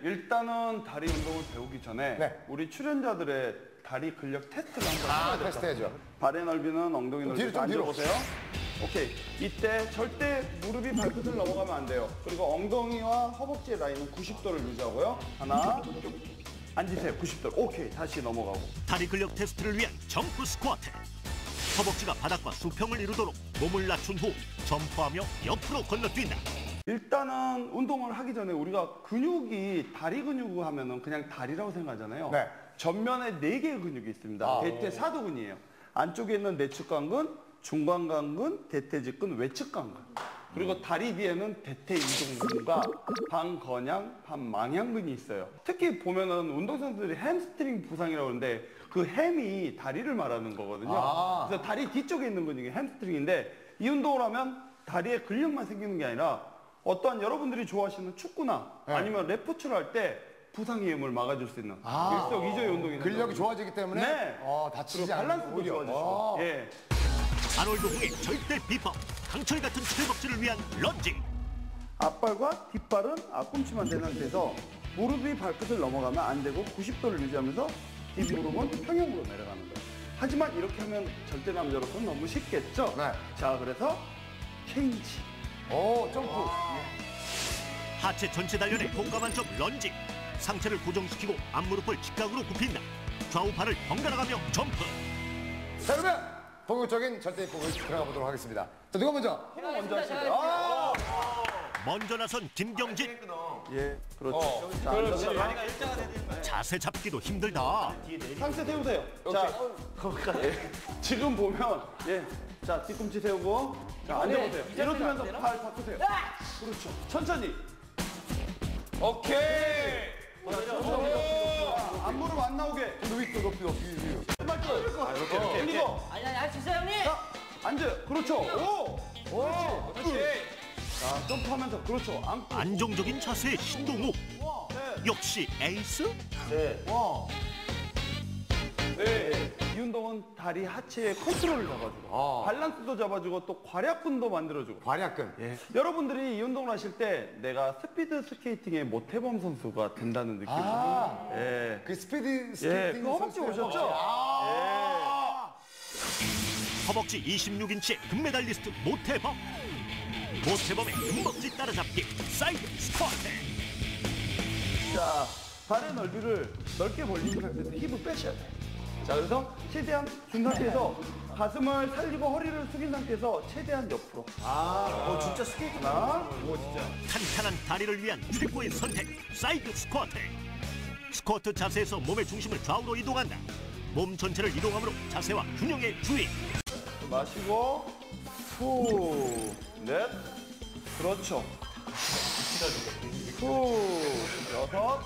일단은 다리 운동을 배우기 전에 네. 우리 출연자들의 다리 근력 테스트를 한번 해봐야 될것 같아요. 테스트해야죠. 발의 넓이는 엉덩이 넓이 좀 뒤로. 앉아보세요. 오케이. 이때 절대 무릎이 발끝을 넘어가면 안 돼요. 그리고 엉덩이와 허벅지의 라인은 90도를 유지하고요. 하나, 쭉 앉으세요. 90도. 오케이. 다시 넘어가고. 다리 근력 테스트를 위한 점프 스쿼트. 허벅지가 바닥과 수평을 이루도록 몸을 낮춘 후 점프하며 옆으로 건너뛴다. 일단은 운동을 하기 전에 우리가 근육이 다리 근육 하면은 그냥 다리라고 생각하잖아요. 네. 전면에 4개의 근육이 있습니다. 대퇴사두근이에요. 안쪽에 있는 내측관근, 중관관근, 대퇴직근, 외측관근. 그리고 다리 뒤에는 대퇴이동근과 반건양, 반망향근이 있어요. 특히 보면은 운동선수들이 햄스트링 부상이라고 하는데 그 햄이 다리를 말하는 거거든요. 그래서 다리 뒤쪽에 있는 근육이 햄스트링인데 이 운동을 하면 다리에 근력만 생기는 게 아니라 어떠한 여러분들이 좋아하시는 축구나 아니면 레프트를 할 때 부상 위험을 막아줄 수 있는 일석이조의 운동이 근력이 좋아지기 때문에 네. 다치지 않고 밸런스도 좋아지죠. 예. 아놀드 홍의 절대 비법. 강철 같은 최벅지를 위한 런지. 앞발과 뒷발은 앞꿈치만 된 상태에서 무릎이 발끝을 넘어가면 안 되고 90도를 유지하면서 뒷무릎은 평형으로 내려가는 거예요. 하지만 이렇게 하면 절대 남자로서는 너무 쉽겠죠? 네. 자, 그래서 체인지. 점프. 하체 전체 단련에 효과 만점 런지. 상체를 고정시키고 앞무릎을 직각으로 굽힌다. 좌우 발을 번갈아 가며 점프. 자, 그러면 본격적인 절대 입법을 들어가 보도록 하겠습니다. 자, 누가 먼저? 먼저 하실게요. 먼저 나선 김경진. 예, 그렇죠. 자, 앉아서 자세 잡기도 힘들다. 상체 세우세요. 자, 거기까지. 지금 보면, 예. 자, 뒤꿈치 세우고. 자, 앉아보세요. 이러면서 발 바꾸세요. 그렇죠. 천천히. 오케이. 앞무릎 안 나오게. 높이. 이렇게. 그리고. 아니 할 수 있어요 형님. 자, 앉아요. 그렇죠. 그렇지. 자, 점프하면서. 그렇죠. 앉고. 안정적인 자세의 신동욱. 역시 에이스? 네. 이 운동은 다리 하체의 컨트롤을 잡아주고 밸런스도 잡아주고 또 과략근도 만들어주고. 과략근. 예. 여러분들이 이 운동을 하실 때 내가 스피드 스케이팅의 모태범 선수가 된다는 느낌. 예. 그 스피드 예. 스케이팅 그 허벅지 선수예요. 오셨죠? 허벅지 26인치의 금메달리스트 모태범. 모태범의 금벅지 따라잡기 사이드 스쿼트. 자, 발의 넓이를 넓게 벌린 상태에서 힙을 빼셔야 돼요. 자, 그래서 최대한 준 상태에서 가슴을 살리고 허리를 숙인 상태에서 최대한 옆으로. 진짜 스케이트나? 탄탄한 다리를 위한 최고의 선택 사이드 스쿼트. 스쿼트 자세에서 몸의 중심을 좌우로 이동한다. 몸 전체를 이동함으로 자세와 균형에 주의. 마시고 후, 넷, 그렇죠. 후, 여섯,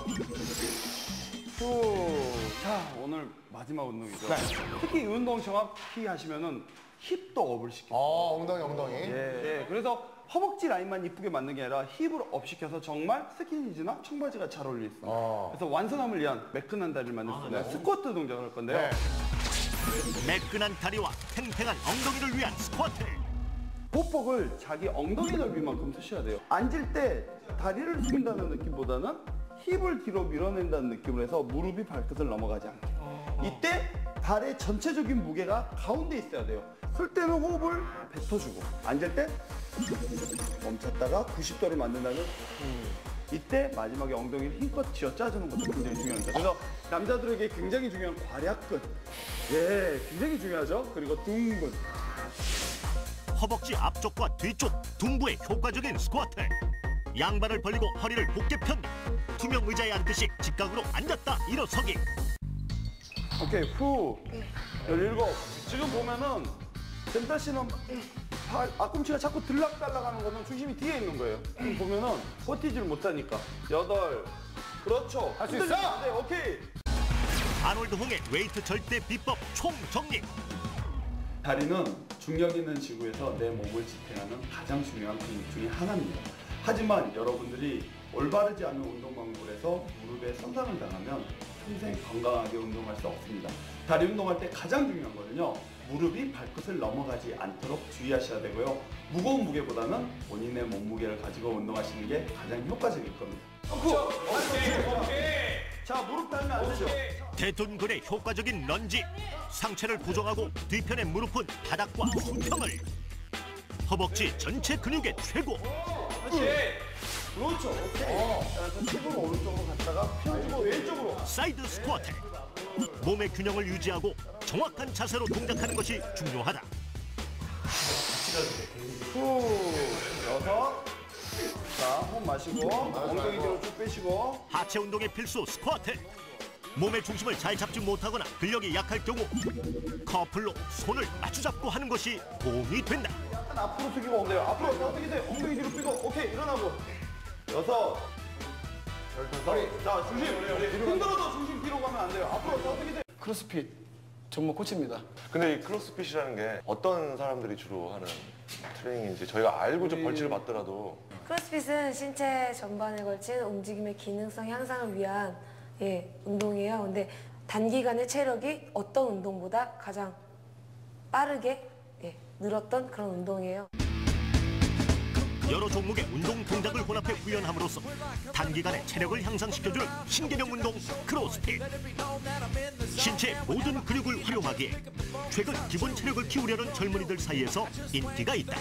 후. 자, 오늘 마지막 운동이죠. 특히 이 운동 정확히 하시면은 힙도 업을 시켜요. 엉덩이. 예. 그래서 허벅지 라인만 이쁘게 만든 게 아니라 힙을 업 시켜서 정말 스키니지나 청바지가 잘 어울릴 수 있습니다. 그래서 완선함을 위한 매끈한 다리를 만들 수 있는 스쿼트 동작을 할 건데요. 매끈한 다리와 탱탱한 엉덩이를 위한 스쿼트. 보폭을 자기 엉덩이 넓이만큼 쓰셔야 돼요. 앉을 때 다리를 숙인다는 느낌보다는 힙을 뒤로 밀어낸다는 느낌으로 해서 무릎이 발끝을 넘어가지 않게. 이때 발의 전체적인 무게가 가운데 있어야 돼요. 쓸 때는 호흡을 뱉어주고 앉을 때 멈췄다가 90도를 만든다는 이때 마지막에 엉덩이를 힘껏 쥐어 짜주는 것도 굉장히 중요합니다. 그래서 남자들에게 굉장히 중요한 과략근. 예, 굉장히 중요하죠. 그리고 둥근. 허벅지 앞쪽과 뒤쪽 둥부의 효과적인 스쿼트. 양발을 벌리고 허리를 곧게 편다. 투명 의자에 앉듯이 직각으로 앉았다 일어서기. 오케이, 후. 17. 지금 보면은 젠타 씨는 앞꿈치가 자꾸 들락달락하는 거는 중심이 뒤에 있는 거예요. 보면은 버티지를 못하니까. 8. 그렇죠. 할 수 있어. 네, 오케이. 아놀드 홍의 웨이트 절대 비법 총정리. 다리는 중력 있는 지구에서 내 몸을 지탱하는 가장 중요한 근육 중에 하나입니다. 하지만 여러분들이 올바르지 않은 운동 방법을 해서 무릎에 손상을 당하면 평생 건강하게 운동할 수 없습니다. 다리 운동할 때 가장 중요한 거는요, 무릎이 발끝을 넘어가지 않도록 주의하셔야 되고요. 무거운 무게보다는 본인의 몸무게를 가지고 운동하시는 게 가장 효과적일 겁니다. 자, 무릎 달면 안 되죠. 대둔근의 효과적인 런지. 상체를 고정하고 뒤편의 무릎은 바닥과 수평을. 허벅지 전체 근육의 최고. 그렇죠. 오케이. 자, 힙을 오른쪽으로 갔다가 펴주고 왼쪽으로. 사이드 스쿼트. 몸의 균형을 유지하고 정확한 자세로 동작하는 것이 중요하다. 후. 여섯. 자, 호흡 마시고 엉덩이 뒤로 쭉 빼시고. 하체 운동의 필수 스쿼트. 몸의 중심을 잘 잡지 못하거나 근력이 약할 경우 커플로 손을 마주잡고 하는 것이 도움이 된다. 약간 앞으로 숙이고 엉덩이. 앞으로 어떻게 돼? 엉덩이 뒤로 빼고. 오케이, 일어나고. 여섯. 열다섯. 자, 중심. 흔들어도 중심 뒤로 가면 안 돼요. 앞으로 어떻게 돼? 크로스핏 전문 코치입니다. 근데 이 크로스핏이라는 게 어떤 사람들이 주로 하는 트레이닝인지 저희가 알고 좀 벌칙을 받더라도 크로스핏은 신체 전반에 걸친 움직임의 기능성 향상을 위한 운동이에요. 근데 단기간에 체력이 어떤 운동보다 가장 빠르게 늘었던 그런 운동이에요. 여러 종목의 운동 동작을 혼합해 훈련함으로써 단기간에 체력을 향상시켜주는 신개념 운동 크로스핏. 신체의 모든 근육을 활용하기에 최근 기본 체력을 키우려는 젊은이들 사이에서 인기가 있다.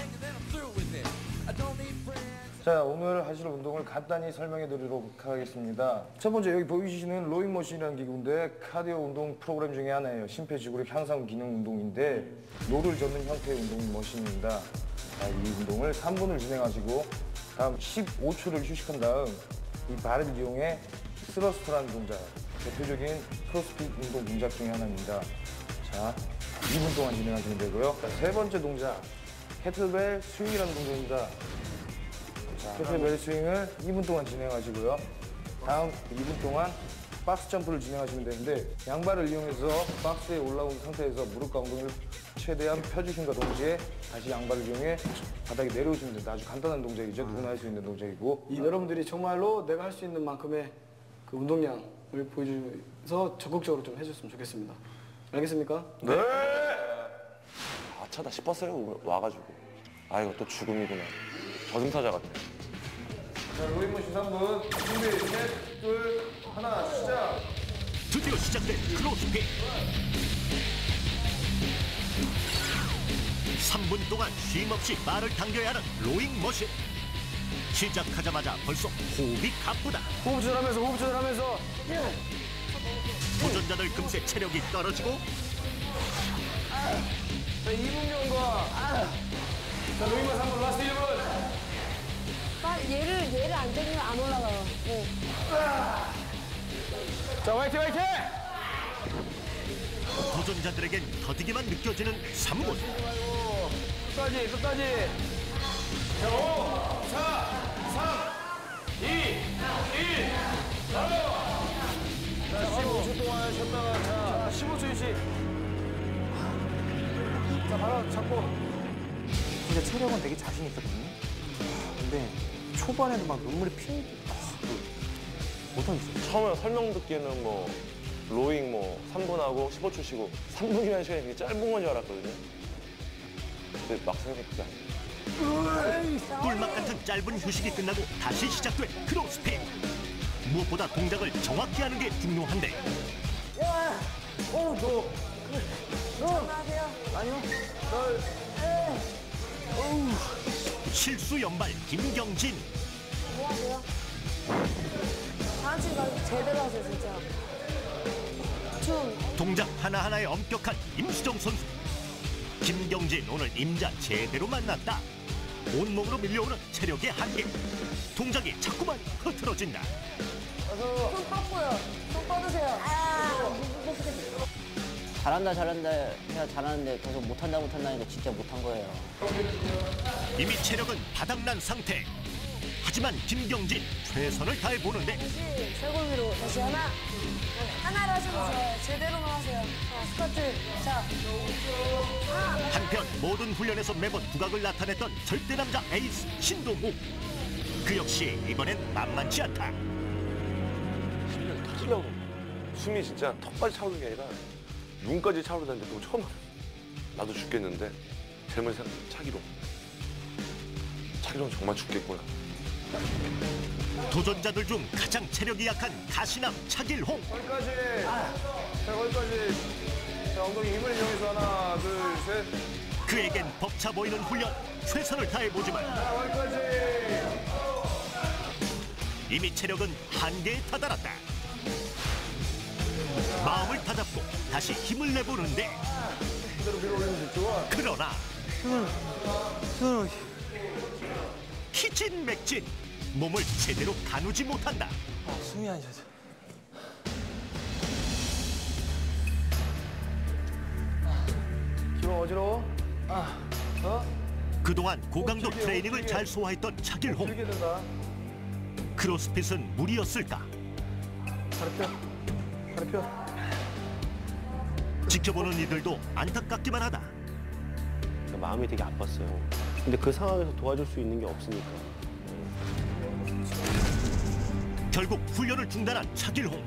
자, 오늘 하실 운동을 간단히 설명해 드리도록 하겠습니다. 첫 번째, 여기 보이시는 로잉머신이라는 기구인데 카디오 운동 프로그램 중에 하나예요. 심폐지구력 향상 기능 운동인데 노를 젓는 형태의 운동 머신입니다. 자, 이 운동을 3분을 진행하시고 다음 15초를 휴식한 다음 이 발을 이용해 스러스트라는 동작, 대표적인 크로스핏 운동 동작 중에 하나입니다. 자, 2분 동안 진행하시면 되고요. 자, 세 번째 동작, 케틀벨 스윙이라는 동작입니다. 케틀벨 스윙을 2분 동안 진행하시고요. 다음 2분 동안 박스 점프를 진행하시면 되는데 양발을 이용해서 박스에 올라온 상태에서 무릎과 엉덩이를 최대한 펴주심과 동시에 다시 양발을 이용해 바닥에 내려오시면 됩니다. 아주 간단한 동작이죠. 누구나 할 수 있는 동작이고 여러분들이 정말로 내가 할 수 있는 만큼의 그 운동량을 보여주면서 적극적으로 좀 해줬으면 좋겠습니다. 알겠습니까? 네! 아차다 싶었어요 와가지고 아 이거 또 죽음이구나 저승사자 같아. 자, 로잉머신 3분 준비 셋, 둘, 하나 시작. 드디어 시작된 크로스핏. 3분 동안 쉼없이 발을 당겨야 하는 로잉 머신. 시작하자마자 벌써 호흡이 가쁘다. 호흡 조절하면서 도전자들 금세 체력이 떨어지고 자, 2분 경과. 자, 로잉머 3분 라스트 1분. 얘를 안 때리면 안 올라가요. 네. 자, 화이팅! 도전자들에겐 더디기만 느껴지는 3분. 끝까지. 자, 5, 4, 3, 2, 1, 바로. 자, 15초 동안 쉬었다가 자, 15초 휴식. 자, 바로 잡고. 진짜 체력은 되게 자신 있었거든요. 근데 초반에는 막 눈물이 못하겠어요. 처음에 설명 듣기에는 뭐 로잉 뭐 3분하고 15초 쉬고 3분이라는 시간이 되게 짧은 건 줄 알았거든요. 근데 막상 해보니까 그게 아니에요. 꿀맛 같은 짧은 휴식이 끝나고 다시 시작된 크로스핏. 무엇보다 동작을 정확히 하는 게 중요한데 실수 연발 김경진. 뭐하세요? 다음 가 제대로 하세요, 진짜. 춤. 동작 하나하나에 엄격한 임수정 선수. 김경진 오늘 임자 제대로 만났다. 온몸으로 밀려오는 체력의 한계. 동작이 자꾸만 흐트러진다. 손 뻗고요. 손 뻗으세요. 잘한다 해야 잘하는데 계속 못한다 하니까 진짜 못한 거예요. 이미 체력은 바닥난 상태. 하지만 김경진 최선을 다해 보는데 다시 쇄골 위로. 다시 하나를 하셔도 좋아요. 제대로만 하세요. 자, 스쿼트. 자. 한편 모든 훈련에서 매번 두각을 나타냈던 절대 남자 에이스 신동욱. 그 역시 이번엔 만만치 않다. 심장이 터지려고 숨이 진짜 턱까지 차오르는 게 아니라 눈까지 차오르다는데 그거 처음 알았어. 나도 죽겠는데 젊은 사람 차기로 정말 죽겠구나. 도전자들 중 가장 체력이 약한 가시남 차길홍. 거기까지. 자, 거기까지. 자, 엉덩이 힘을 이용해서 하나, 둘, 셋. 그에겐 벅차 보이는 훈련, 최선을 다해보지만 자, 거기까지. 이미 체력은 한계에 다다랐다. 마음을 다잡고 다시 힘을 내보는데 그대로 밀어 올리면 좋아. 그러나 키진맥진 몸을 제대로 가누지 못한다. 숨이 안 쉬어져. 기분 어지러워? 그동안 고강도 트레이닝을 잘 소화했던 차길홍. 들게 된다. 크로스핏은 무리였을까? 다리 펴. 지켜보는 이들도 안타깝기만 하다. 마음이 되게 아팠어요. 근데 그 상황에서 도와줄 수 있는 게 없으니까. 결국 훈련을 중단한 차길홍.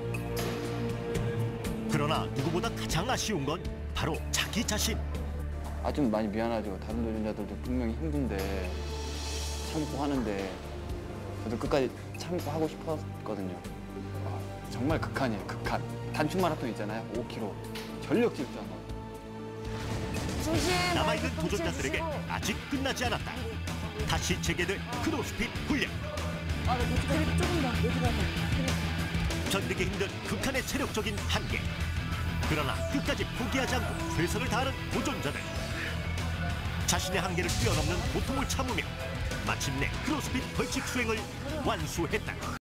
그러나 누구보다 가장 아쉬운 건 바로 자기 자신. 좀 많이 미안하죠. 다른 도전자들도 분명히 힘든데 참고 하는데 저도 끝까지 참고 하고 싶었거든요. 정말 극한이에요, 극한. 단축 마라톤 있잖아요, 5km. 전력 질주한 거. 남아있는 도전자들에게 아직 끝나지 않았다. 다시 재개될 크로스핏 훈련. 조금 더 여기 가서. 견디기 힘든 극한의 체력적인 한계. 그러나 끝까지 포기하지 않고 최선을 다하는 도전자들. 자신의 한계를 뛰어넘는 고통을 참으며 마침내 크로스핏 벌칙 수행을 완수했다.